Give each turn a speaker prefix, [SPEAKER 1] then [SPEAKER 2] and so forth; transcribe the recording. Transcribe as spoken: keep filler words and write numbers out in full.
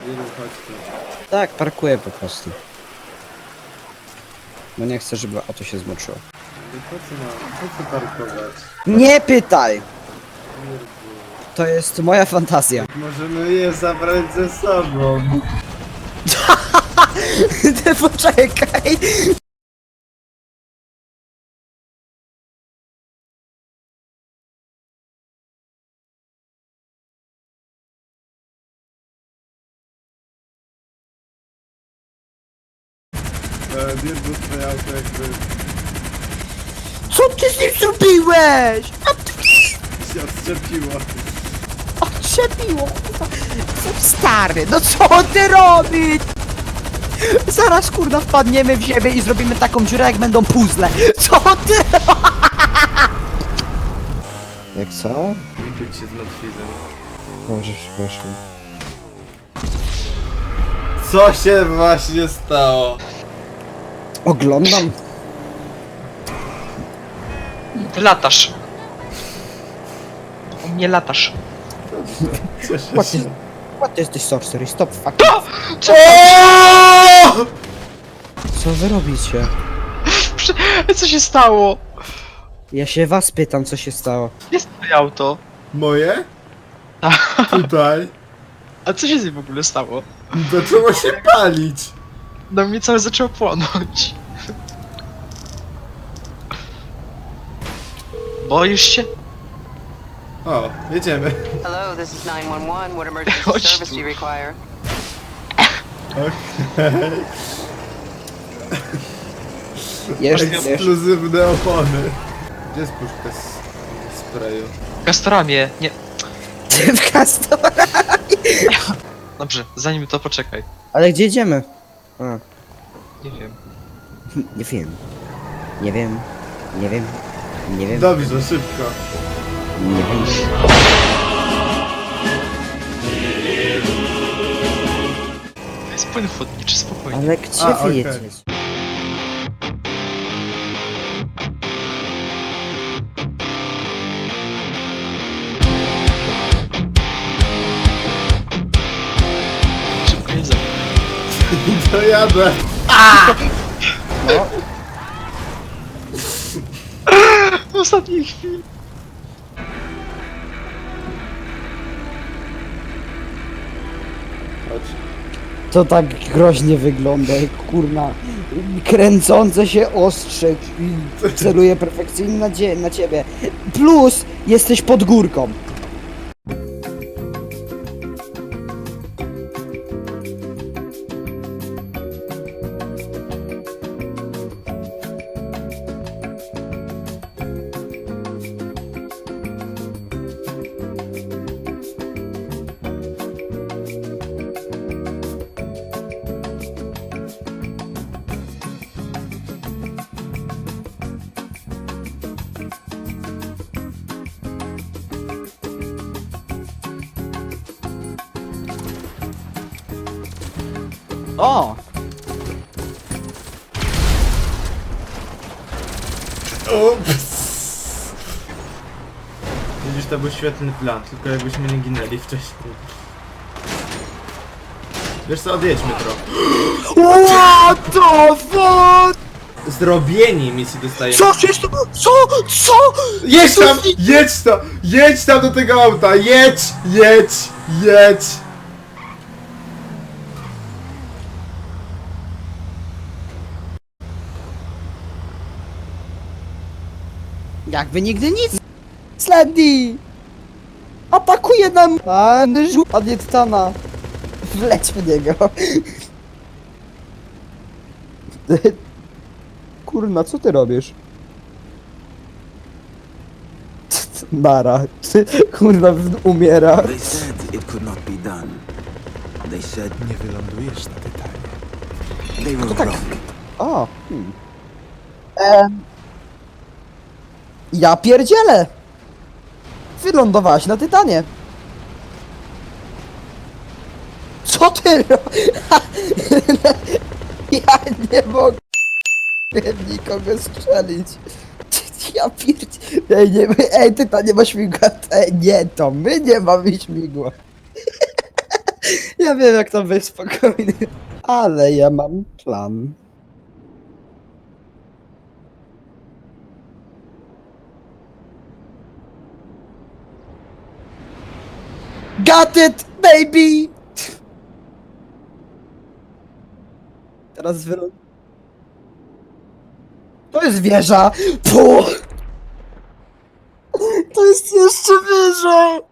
[SPEAKER 1] Wielu, chodź tu.
[SPEAKER 2] Tak, parkuję po prostu. Bo nie chcę, żeby auto się zmoczyło.
[SPEAKER 1] I po co ma, po co parkować?
[SPEAKER 2] Nie pytaj!
[SPEAKER 1] Kurde.
[SPEAKER 2] To jest moja fantazja.
[SPEAKER 1] Możemy je zabrać ze sobą.
[SPEAKER 2] Ty poczekaj!
[SPEAKER 1] E, Dirbu, twoje auto jakby
[SPEAKER 2] Co ty z nim zrobiłeś? A ty
[SPEAKER 1] się odczepiło.
[SPEAKER 2] odczepiło, kurwa. Co stary, no co ty robisz? Zaraz kurwa wpadniemy w ziemię i zrobimy taką dziurę jak będą puzzle. Co ty? Jak co?
[SPEAKER 1] Nie czuć się zmartwiłem.
[SPEAKER 2] Może przepraszam.
[SPEAKER 1] Co się właśnie stało?
[SPEAKER 2] Oglądam.
[SPEAKER 3] Ty latasz. U mnie latasz.
[SPEAKER 1] Cieszę
[SPEAKER 2] What,
[SPEAKER 1] się.
[SPEAKER 2] is, what is this sorcery? Stop fuck.
[SPEAKER 3] Co?
[SPEAKER 2] Co wy robicie?
[SPEAKER 3] Co się stało?
[SPEAKER 2] Ja się was pytam, co się stało.
[SPEAKER 3] Jest twoje auto.
[SPEAKER 1] Moje? Tutaj.
[SPEAKER 3] A co się z nim w ogóle stało?
[SPEAKER 1] Zaczęło się palić.
[SPEAKER 3] No mnie całe zaczęło płonąć. Boisz się?
[SPEAKER 1] O, jedziemy.
[SPEAKER 4] Hello, this is nine one one. What emergency
[SPEAKER 3] Chodź
[SPEAKER 4] service
[SPEAKER 3] tu.
[SPEAKER 4] do you require?
[SPEAKER 1] Okej.
[SPEAKER 2] Jeszcze, jeszcze.
[SPEAKER 1] Ekskluzywne opony. Gdzie jest puszka z sprayu?
[SPEAKER 3] Gastoramie, nie.
[SPEAKER 2] W kastorze.
[SPEAKER 3] Dobrze, zanim to poczekaj.
[SPEAKER 2] Ale gdzie idziemy? A,
[SPEAKER 3] Nie wiem.
[SPEAKER 2] nie wiem. Nie wiem. Nie wiem. Nie wiem.
[SPEAKER 1] Dobrze, szybko.
[SPEAKER 2] Nie wiem.
[SPEAKER 3] To jest płyn wodniczy, spokojnie.
[SPEAKER 2] Ale gdzie
[SPEAKER 1] A,
[SPEAKER 2] wy
[SPEAKER 1] okej.
[SPEAKER 2] jedziecie?
[SPEAKER 3] Szybko nie zabij.
[SPEAKER 1] To jadę.
[SPEAKER 2] No,
[SPEAKER 3] W ostatniej chwili.
[SPEAKER 1] Chodź.
[SPEAKER 2] to tak groźnie wygląda, jak kurna. Kręcące się ostrze i celuje perfekcyjnie na, dzie- na ciebie. Plus jesteś pod górką. O!
[SPEAKER 1] Ups. Widzisz, to był świetny plan, tylko jakbyśmy nie ginęli wcześniej. Wiesz co, odjedźmy trochę.
[SPEAKER 2] What the fuck?
[SPEAKER 1] Zrobieni misji dostajemy.
[SPEAKER 2] Co się sto... Co? Co?
[SPEAKER 1] Jedź tam! Jedź tam! Jedź tam do tego auta! Jedź! Jedź! Jedź!
[SPEAKER 2] Jakby nigdy nic. Slendy! Atakuje nam! A, Adiettana. Wleć w niego. Kurna, co ty robisz? Nara. Kurna, umiera.
[SPEAKER 5] They said it could not be done. They said
[SPEAKER 6] Nie wylądujesz na Tytanie.
[SPEAKER 5] they were
[SPEAKER 2] tak?
[SPEAKER 5] wrong.
[SPEAKER 2] O. Hmm. Em. Ja pierdzielę! Wylądowałaś na Tytanie. Co ty ro... Ja nie mogę nikogo strzelić. Ja pierdzie... Ej, nie, ej, Tytan nie ma śmigła. Ej, nie, to my nie mamy śmigła. Ja wiem jak tam wejść spokojnie. Ale ja mam plan. Got it, baby! Teraz wyląd... To jest wieża! Puh! To jest jeszcze wyżej!